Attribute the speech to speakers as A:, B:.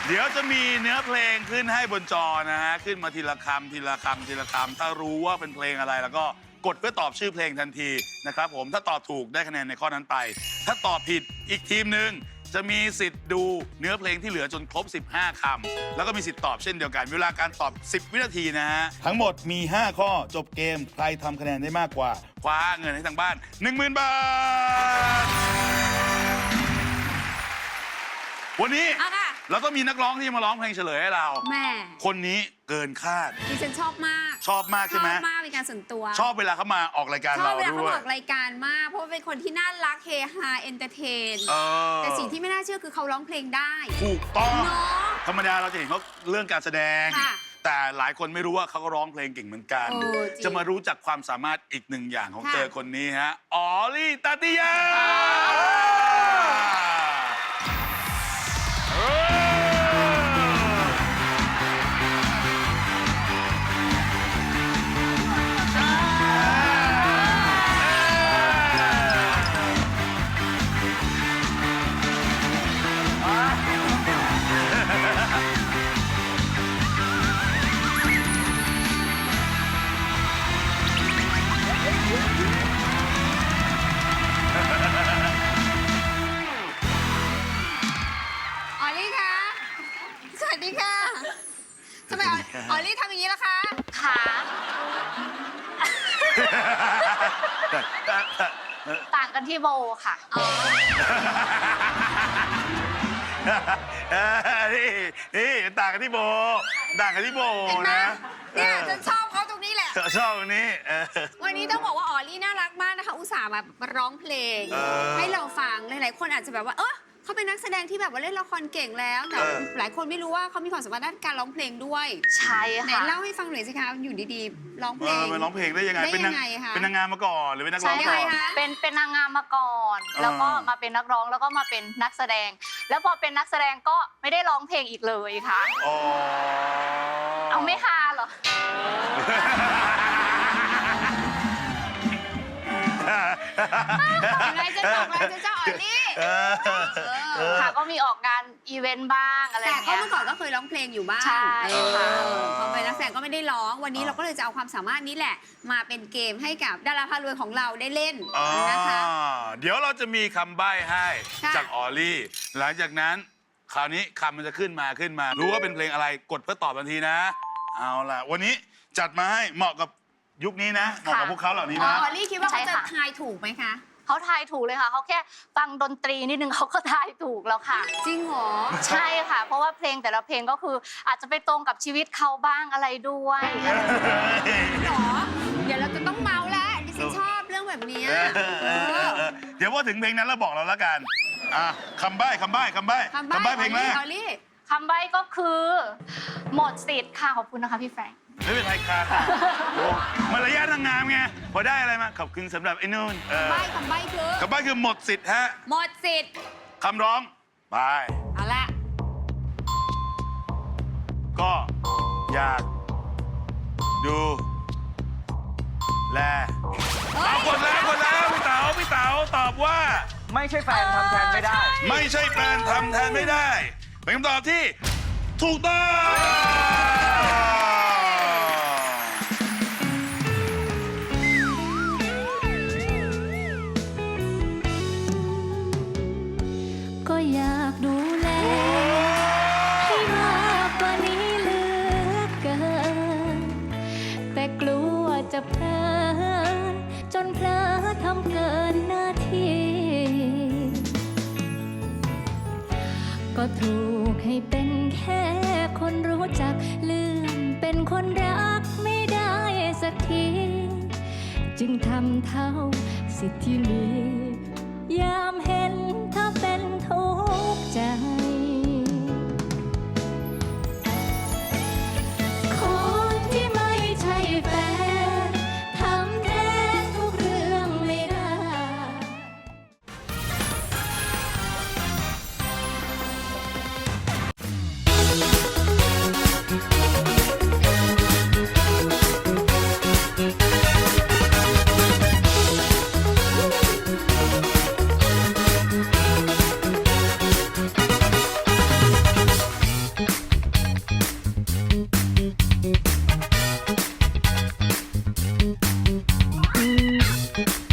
A: เดี๋ยวจะมีเนื้อเพลงขึ้นให้บนจอนะฮะขึ้นมาทีละคำทีละคำทีละคำถ้ารู้ว่าเป็นเพลงอะไรแล้วก็กดเพื่อตอบชื่อเพลงทันทีนะครับผมถ้าตอบถูกได้คะแนนในข้อนั้นไปถ้าตอบผิดอีกทีมหนึ่งจะมีสิทธิ์ดูเนื้อเพลงที่เหลือจนครบ15 คำแล้วก็มีสิทธิ์ตอบเช่นเดียวกันเวลาการตอบ10 วินาทีนะฮะทั้งหมดมี5ข้อจบเกมใครทำคะแนนได้มากกว่าคว้าเงินให้ทางบ้าน 10,000 บาทวันนี้เราต้องมีนักร้องที่มาร้องเพลงเฉลยให้เรา
B: แม่
A: คนนี้เกินคาด
B: ดิฉันชอบมาก
A: ชอบมากใช่ไหม
B: ชอบมากเป็นการส่วนตัว
A: ชอบเวลาเขามาออกรายการเราด้วยชอบเวลาเขา
B: ออกรายการมากเพราะเป็นคนที่น่ารักเฮฮาเอนเตอร์เทนแต่สิ่งที่ไม่น่าเชื่อคือเขาร้องเพลงได้
A: ถูกต้องธรรมดาเราจะเห็นเขาเรื่องการแสดงแต่หลายคนไม่รู้ว่าเขาก็ร้องเพลงเก่งเหมือนกันจะมารู้จักความสามารถอีกหนึ่งอย่างของเธอคนนี้ฮะออลลี่ตาติยา
B: สวัสดีค่ะทำไมออลลี่ทำอย่างนี้ล่ะคะ
C: ขาต่างกันที่โบค่ะ
A: นี่ต่างกันที่โบนะ
B: เนี่ยฉันชอบเขาตรงนี้แหละ
A: ชอบตรงนี้
B: วันนี้ต้องบอกว่าออลลี่น่ารักมากนะคะอุตส่าห์มาร้องเพลงให้เราฟังหลายๆคนอาจจะแบบว่าเขาเป็นนักแสดงที่แบบว่าเล่นละครเก่งแล้วแต่หลายคนไม่รู้ว่าเขามีความสามารถด้านการร้องเพลงด้วย
C: ใช่ค่ะ
B: ไหนเล่าให้ฟังหน่อยสิคะอยู่ดีๆร้องเพลง
A: ร้องเพลงได้ยังไงเป็นนางงามมาก่อนหรือเป็นนักร้องก่อน
C: เป็นนางงามมาก่อนแล้วก็มาเป็นนักร้องแล้วก็มาเป็นนักแสดงแล้วพอเป็นนักแสดงก็ไม่ได้ร้องเพลงอีกเลยค่ะเอาไม่ฮาเหรอ
B: อะไรจะจบอะไรจะเจ้าออลลี่
C: ค่ะก็มีออกงานอีเวนต์บ้างอะไรอย่างเงี้ย
B: แต่เมื่อก่อนก็เคยร้องเพลงอยู่บ้าง
C: ใช่ค่ะ
B: พอเป็นนักแสดงก็ไม่ได้ร้องวันนี้เราก็เลยจะเอาความสามารถนี้แหละมาเป็นเกมให้กับดาราพารวยของเราได้เล่นนะคะ
A: เดี๋ยวเราจะมีคำใบ้ให้จากออลลี่หลังจากนั้นคราวนี้คำมันจะขึ้นมารู้ว่าเป็นเพลงอะไรกดเพื่อตอบทันทีนะเอาล่ะวันนี้จัดมาให้เหมาะกับยุคนี้นะเหมาะกับพวกเขาเหล่านี้นะ
B: ออลลี่คิดว่าเขาจะทายถูกไหมคะ
C: เขาทายถูกเลยค่ะเขาแค่ฟังดนตรีนิดนึงเขาก็ทายถูกแล้วค่ะ
B: จริงเหรอ
C: ใช่ค่ะเพราะว่าเพลงแต่ละเพลงก็คืออาจจะไปตรงกับชีวิตเขาบ้างอะไรด้วย
B: หรอเดี๋ยวเราจะต้องเมาแล้วดิฉันชอบเรื่องแบบนี้
A: เดี๋ยวพอถึงเพลงนั้นเราบอกเราแล้วกันคำใบ้เพลงแรก
C: คำใบ้ก็คือหมดสิทธิ์ค่ะขอบคุณนะคะพี่แฟรงค์
A: ไม่เป็นไรค่ะมารยาทนางงามไงพอได้อะไรมาขอบคุณสำหรับไอ้นู่น
B: คำใบ้
A: คือหมดสิทธิ์ฮะ
B: หมดสิทธิ์
A: คำร้องไป
B: เอาละ
A: ก็อยากดูแลกดแล้วพี่เต๋าตอบว่า
D: ไม่ใช่แฟนทำแทนไม่ได้
A: ไม่ใช่แฟนทำแทนไม่ได้เป็นคำตอบที่ถูกต้อง
E: ก็อยากดูแลให้มากกว่านี้เหลือเกินแต่กลัวจะเพลินจนเพลอทำเกินหน้าที่ก็ถูกให้เป็นแค่คนรู้จักลืมเป็นคนรักไม่ได้สักทีจึงทำเท่าสิทธิ์ที่มียามเห็นเธอเป็นทุกข์ใจคนที่ไม่ใช่แฟนทำแทนทุกเรื่องไม่ได้
A: เ
E: Thank you.